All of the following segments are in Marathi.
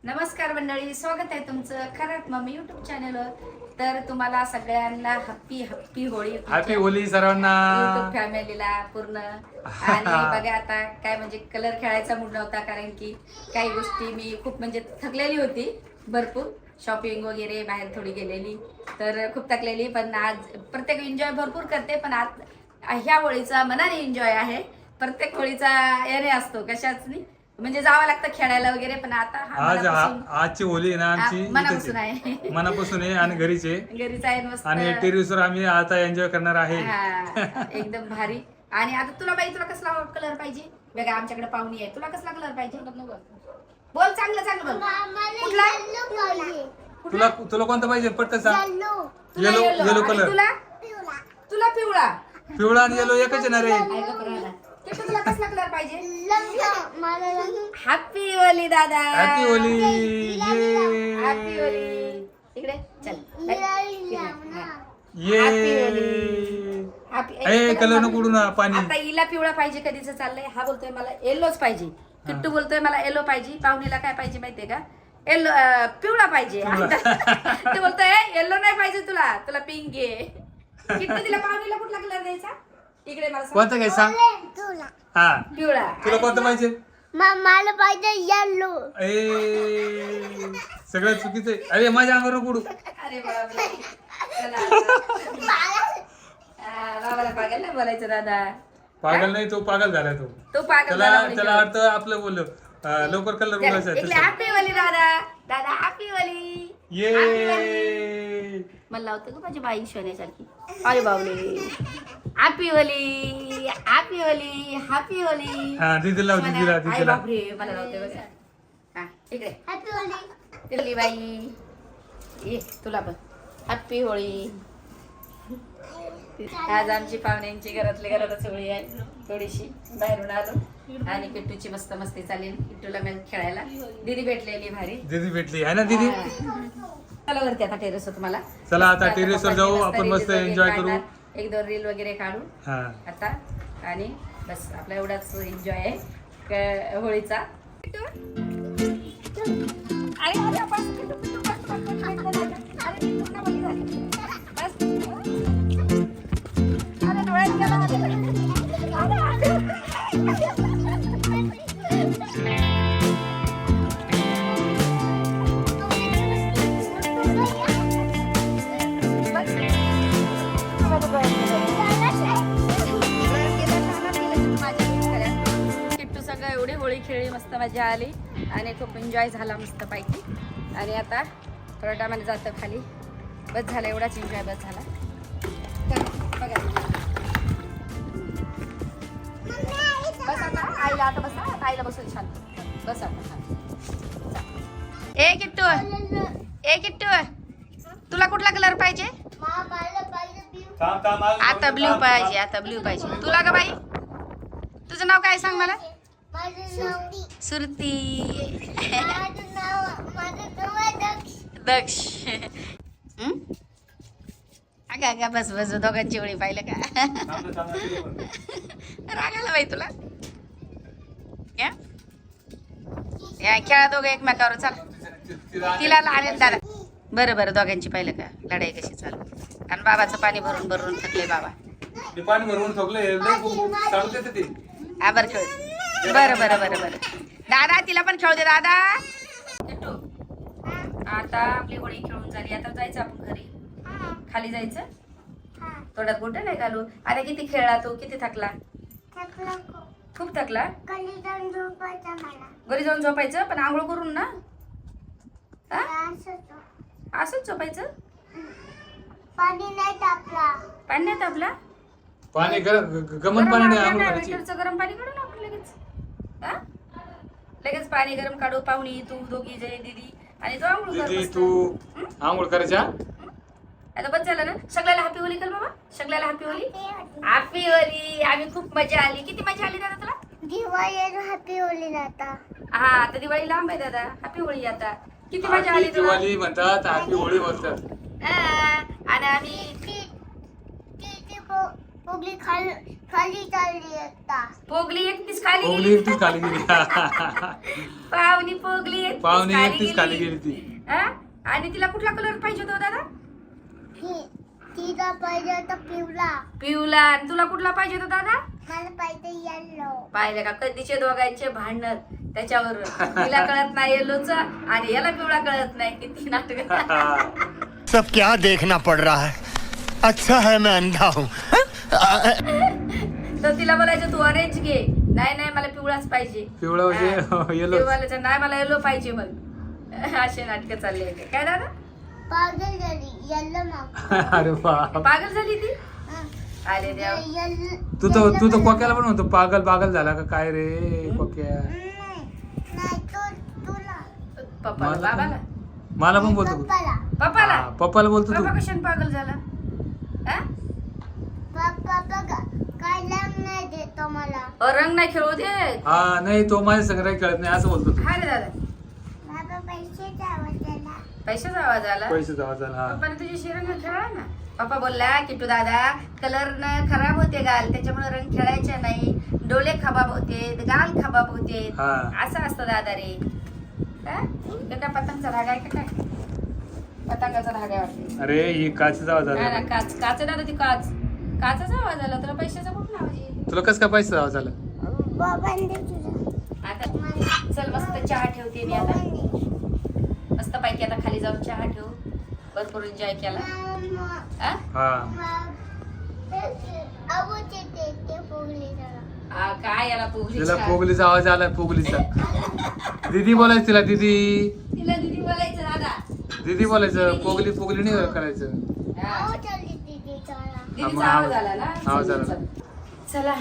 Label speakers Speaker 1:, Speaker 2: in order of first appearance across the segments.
Speaker 1: नमस्कार मंडळी, स्वागत आहे तुमचं खरंच मम्मी युट्यूब चॅनलवर. तर तुम्हाला सगळ्यांना हॅपी होळी.
Speaker 2: हॅपी होली सर्वांना,
Speaker 1: युट्यूब फॅमिलीला पूर्ण. आणि बघा आता काय म्हणजे कलर खेळायचा मूड नव्हता, कारण की काही गोष्टी मी खूप म्हणजे थकलेली होती, भरपूर शॉपिंग वगैरे बाहेर थोडी गेलेली, तर खूप थकलेली. पण आज प्रत्येक एन्जॉय भरपूर करते, पण आज ह्या होळीचा मनाने एन्जॉय आहे. प्रत्येक होळीचा याने असतो, कशाच नाही म्हणजे जावं लागतं खेळायला वगैरे. पण आता
Speaker 2: आजची होली आहे ना आमची
Speaker 1: मनापासून आहे,
Speaker 2: मनापासून आहे आणि घरीचे
Speaker 1: घरीच आहे मस्त.
Speaker 2: आणि टेरेसवर आम्ही आता एन्जॉय करणार आहे.
Speaker 1: एकदम भारी. आणि आता तुला बाई, तुला कसला कलर पाहिजे? बघा आमच्याकडे पाहुणी आहे, तुला कसला कलर पाहिजे? बोल, चांगलं चांगलं बोल. कुठला?
Speaker 2: तुला तुला कोणता पाहिजे पटकन सांग. Yellow colour.
Speaker 1: तुला पिवळा.
Speaker 2: पिवळा आणि येलो एकच येणार आहे.
Speaker 1: तुला कसला कलर पाहिजे? हॅपी होली दादा.
Speaker 2: हॅपी होली.
Speaker 1: हॅपी होली. इकडे चल.
Speaker 2: ये कलर नको उडू ना पाणी.
Speaker 1: आता हिला पिवळा पाहिजे, कधीच चाललंय. हा बोलतोय मला येलोच पाहिजे. किट्टू बोलतोय मला येलो पाहिजे. पाहुणीला काय पाहिजे माहितीये का? येलो पिवळा पाहिजे. ते बोलतोय येलो नाही पाहिजे, तुला तुला पिंक आहे. किट्टू तिला पाहुणीला कुठला कलर द्यायचा? इकडे मला
Speaker 2: कोणता काय सांग. हा
Speaker 1: पिवळा.
Speaker 2: तुला कोणता पाहिजे?
Speaker 3: मला पाहिजे येलो.
Speaker 2: सगळं चुकीचं आहे. अरे माझ्या अंगावर नको उडू.
Speaker 1: अरे बाबा, बाबाला पागल नाही बोलायचं दादा.
Speaker 2: पागल नाही, तो पागल झाला तो.
Speaker 1: तो पागल झाला म्हणजे.
Speaker 2: त्याला अर्थ आपलं बोललो लवकर कलर बोलायचं.
Speaker 1: हॅपी होली दादा. दादा हॅपी होली.
Speaker 2: ये
Speaker 1: मला लावतो का माझी बाई सोन्यासारखी. अरे बाबले, happy Holi, happy Holi, happy Holi.
Speaker 2: हा दीदी लाव, दीदीला
Speaker 1: आई
Speaker 2: दीदीला.
Speaker 1: बापरे, मला लावते बघा. हा इकडे
Speaker 3: हॅपी होली.
Speaker 1: दिल्ली बाई, ये तुला पण हॅपी होळी. आज आमची पाहुण्यांची घरातच होळी आहे. थोडीशी बाहेरून आलो आणि किट्टूची मस्त मस्ती चालेल. किट्टूला मी खेळायला दीदी भेटलेली भारी.
Speaker 2: दीदी भेटली आहे ना दीदी.
Speaker 1: चला वरती आता टेरेस तुम्हाला.
Speaker 2: चला आता टेरेसवर जाऊ, आपण मस्त एन्जॉय करू.
Speaker 1: एक दोन रील वगैरे काढू
Speaker 2: हा
Speaker 1: आता. आणि बस आपला एवढाच एन्जॉय आहे होळीचा. अरे अरे बस, किट्टू, किट्टू, बस, बस, बस, बस, बस, बस. अरे किट्टू, पुन्हा बोलली झाली. बस. अरे डोळ्यात गेला माझ्या. किट्टू संग एवढी होळी खेळली, मस्त मजा आली आणि खूप एन्जॉय झाला मस्त पैकी. आणि आता थोड्या टायमाने जातं खाली. बस झालं, एवढाच एन्जॉय बस झाला. बघा बस आता आईला, आता बसा, आता आईला बसून छान बस आता छान. ए किट्टू, ए किट्टू, तुला कुठला कलर पाहिजे?
Speaker 3: मला पाहिजे blue.
Speaker 1: आता ब्ल्यू पाहिजे, आता ब्ल्यू पाहिजे. तुला का बाई? तुझं नाव काय सांग मला?
Speaker 3: माझं नाव
Speaker 1: सुरती.
Speaker 3: माझं नाव आहे दक्ष.
Speaker 1: दक्ष. अगं अगं बस बस, दोघांची ओळी पाहिलं का? रागाला बाई तुला. या खेळा दोघं एकमेकावर. चाल तिला लहान दादा. बरं बरं, दोघांची पाहिलं का लढाई कशी चालू. आणि बाबाचं पाणी भरून भरून थकले बाबा.
Speaker 2: पाणी भरवून ठोकले ते.
Speaker 1: हा बरं खेळ. बरं बरं बरं बरं दादा, तिला पण खेळू दे दादा. आता आपली होळी खेळून झाली, आता जायचं आपण घरी. खाली जायचं. थोड्यात गोठं नाही घालू. आता किती खेळला तू, किती थकला? खूप थकला. घरी जाऊन झोपायचं, पण आंघोळ करून ना. असंच झोपायचं.
Speaker 3: पाणी नाही टाकला.
Speaker 1: पाणी नाही तापला.
Speaker 2: पाणी गमन पाणी नाही आंघोळ करायची.
Speaker 1: मीटरचं गरम पाणी काढू ना आपण लगेच. हा लगेच पाणी गरम काढू. पाहुणी, तू, दोघी जण, दीदी आणि तो आंघोळ कर
Speaker 2: दीदी
Speaker 1: मस्त.
Speaker 2: तू आंघोळ करायच्या.
Speaker 1: आता बस झालं ना. सगळ्याला हॅपी होली कर बाबा. सगळ्याला हॅपी होली. Happy Holy. आम्ही खूप मजा आली. किती मजा आली दादा तुला?
Speaker 3: दिवाळी हॅपी होली आता.
Speaker 1: हा आता दिवाळी लांब आहे दादा. हॅपी होळी आता. किती मजा आली तुला?
Speaker 2: दिवाळी म्हणतात, हॅपी होळी म्हणतात.
Speaker 1: आणि आम्ही
Speaker 3: फुगडी खाली चालली आता.
Speaker 1: पोगली एकटीच खाली
Speaker 2: पोगली
Speaker 1: गेली.
Speaker 2: एकटीच खाली गेली
Speaker 1: पाहुणी पोगली एकटीच
Speaker 2: पाहुणी एकटीच खाली गेली ती.
Speaker 1: हा? आणि तिला कुठला कलर पाहिजे होता दादा?
Speaker 3: तिला पाहिजे होता पिवळा.
Speaker 1: पिवला. आणि तुला कुठला पाहिजे होता दादा?
Speaker 3: मला पाहिजे येल्लो.
Speaker 1: पाहिजे का कधीचे दोघांचे भांडण त्याच्यावर. तिला कळत नाही येलोच आणि याला पिवळा कळत नाही. किती नाटक.
Speaker 4: सब क्या देखना पड़ रहा है. अच्छा है मैं अंधा हूँ.
Speaker 1: तर तिला बोलायचं तू ऑरेंज घे. नाही नाही मला पिवळाच पाहिजे.
Speaker 2: पिवळा म्हणजे येलो.
Speaker 1: बोलायचं नाही मला येलो पाहिजे मग. असे नाटक चालले होते. काय दादा?
Speaker 3: पागल झाली येल्लो मग.
Speaker 2: अरे बाप.
Speaker 1: पागल झाली ती. आले देव.
Speaker 2: तू तर कोक्याला पण म्हणतो पागल पागल झाला का काय रे कोक्या.
Speaker 3: नाही तुला.
Speaker 1: पप्पाला बाबाला
Speaker 2: मला पण बोलतो
Speaker 3: पप्पाला.
Speaker 1: पप्पाला
Speaker 2: हा, पप्पाला बोलतो तू.
Speaker 1: पप्पा कशाने पागल झाला? हा?
Speaker 3: पप्पा बघा काय रंग नाही देतो मला.
Speaker 1: रंग नाही खेळू दे.
Speaker 2: हा नाही तो माझ्या संग्रह खेळत नाही असं बोलतो तू.
Speaker 1: हा रे दादा.
Speaker 3: बाबा पैसे द्यावं त्याला.
Speaker 1: पैशाचा आवाज आला.
Speaker 2: पैसे जमा झाला. हा.
Speaker 1: पप्पाने तुझ्याशी रंग खेळला ना. पप्पा बोलला की तू दादा कलर न खराब होते गाल त्याच्यामुळे रंग खेळायचे नाही. डोळे खबाब होते गाल खबाब होते.
Speaker 2: हा.
Speaker 1: असं असतं दादा रे. हा? हे काय पतंगचा धागा आहे का काय? पतंगाचा धागा आहे वाटते.
Speaker 2: अरे ही काचेचा आवाज
Speaker 1: नाही
Speaker 2: आला.
Speaker 1: ना काच काच आहे दादा ती काच. काचाचा आवाज आला. तुला पैशाचा कुठला आवाज येईल?
Speaker 2: तुला कस काय पैसे आवाज आला.
Speaker 3: बाबांनी तुझा.
Speaker 1: आता चल मस्त चहा ठेवते मी आता. मस्त पैकी आता खाली जाऊन चहा ठेवू. भरपूर एन्जॉय केला. हा?
Speaker 2: हा
Speaker 3: आवाज येते ते पोगली जरा.
Speaker 1: काय याला पोगली
Speaker 2: तिला
Speaker 1: चहा.
Speaker 2: पोगलीचा आवाज आला पोगलीचा. दीदी बोलायचं तिला दीदी.
Speaker 1: तिला दीदी बोलायचं दादा.
Speaker 2: दीदी बोलायचं पोगली पोगली नाही करायचं.
Speaker 1: हा.
Speaker 3: आवाज आली तिथे जरा.
Speaker 1: दीदीचा आवाज आला ना.
Speaker 2: आवाज आला.
Speaker 1: चला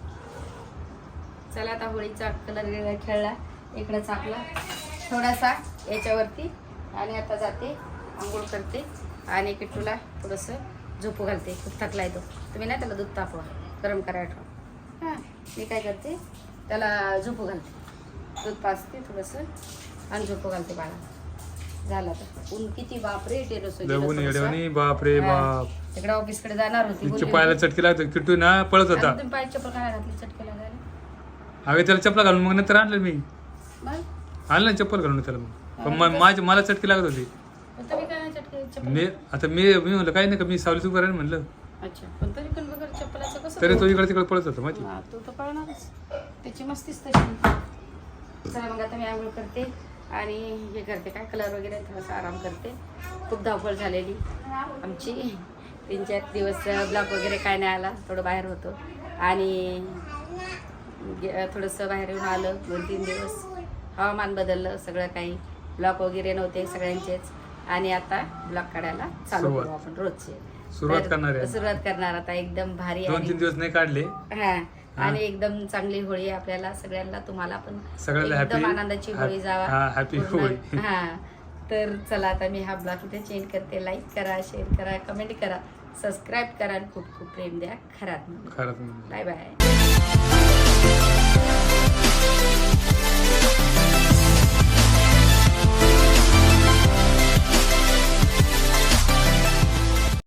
Speaker 1: चला आता होळीचा कलर खेळला. इकडे चाकला थोडासा याच्यावरती आणि आता जाते आंघोळ करते आणि किट्टूला थोडंसं झोपू घालते. खूप थकला येतो. तुम्ही नाही त्याला दूध तापवा गरम करायला ठेवा. हां मी काय करते त्याला झोपू घालते. दूध पाजते थोडंसं आणि झोपू घालते बाळा. झालं आता. ऊन किती बापरे टेरेस
Speaker 2: लवून येडवणी बापरे बाप.
Speaker 1: तिकडे ऑफिसकडे जाणार होती.
Speaker 2: तिच्या
Speaker 1: बोलली
Speaker 2: पायाला
Speaker 1: होती.
Speaker 2: चटकी लागतो किट्टू ना पळत होता.
Speaker 1: तुम्ही पाय चप्पल काय घातली चटके लागायला?
Speaker 2: अगे त्याला चपला घालून मग नंतर आणलं मी.
Speaker 1: मग
Speaker 2: आणलं ना चप्पल घालून त्याला मग. पण मला चटकी लागत होती.
Speaker 1: पण तुम्ही काय नाही चटके चप्पल?
Speaker 2: मी म्हणलं काही नाही का मी सावली सुरू म्हणलं.
Speaker 1: अच्छा पण तरी पण बघा चप्पलाचं कसं
Speaker 2: तरी तो इकडे तिकडे पळत होता माहिती.
Speaker 1: हा, तो तर पळणारच. त्याची मस्तीच तशी. चला मग आता मी आंघोळ करते आणि हे करते काय कलर वगैरे थोडासा आराम करते. खूप धावपळ झालेली आमची. 3-4 दिवस ब्लॉक वगैरे काय नाही आला. थोडं बाहेर होतो आणि थोडंसं बाहेर येऊन आलं. 2-3 दिवस हवामान बदललं सगळं काही. ब्लॉक वगैरे नव्हते सगळ्यांचेच आणि आता ब्लॉक काढायला चालू करू आपण रोजचे.
Speaker 2: सुरुवात
Speaker 1: तर
Speaker 2: करणार आहे.
Speaker 1: सुरुवात करणार आता एकदम भारी.
Speaker 2: 2-3 दिवस नाही काढले.
Speaker 1: हा आणि एकदम चांगली होळी आपल्याला सगळ्यांना. तुम्हाला पण
Speaker 2: सगळ्याला
Speaker 1: एकदम
Speaker 2: happy-
Speaker 1: आनंदाची होळी जावा.
Speaker 2: हा, happy
Speaker 1: पूर्ण.
Speaker 2: होळी.
Speaker 1: हा तर चला आता मी हा ब्लॉग इथे चेंज करते. लाईक करा, शेअर करा, कमेंट करा, सबस्क्राईब करा आणि खूप खूप प्रेम द्या. खरात
Speaker 2: खरंच.
Speaker 1: Bye bye.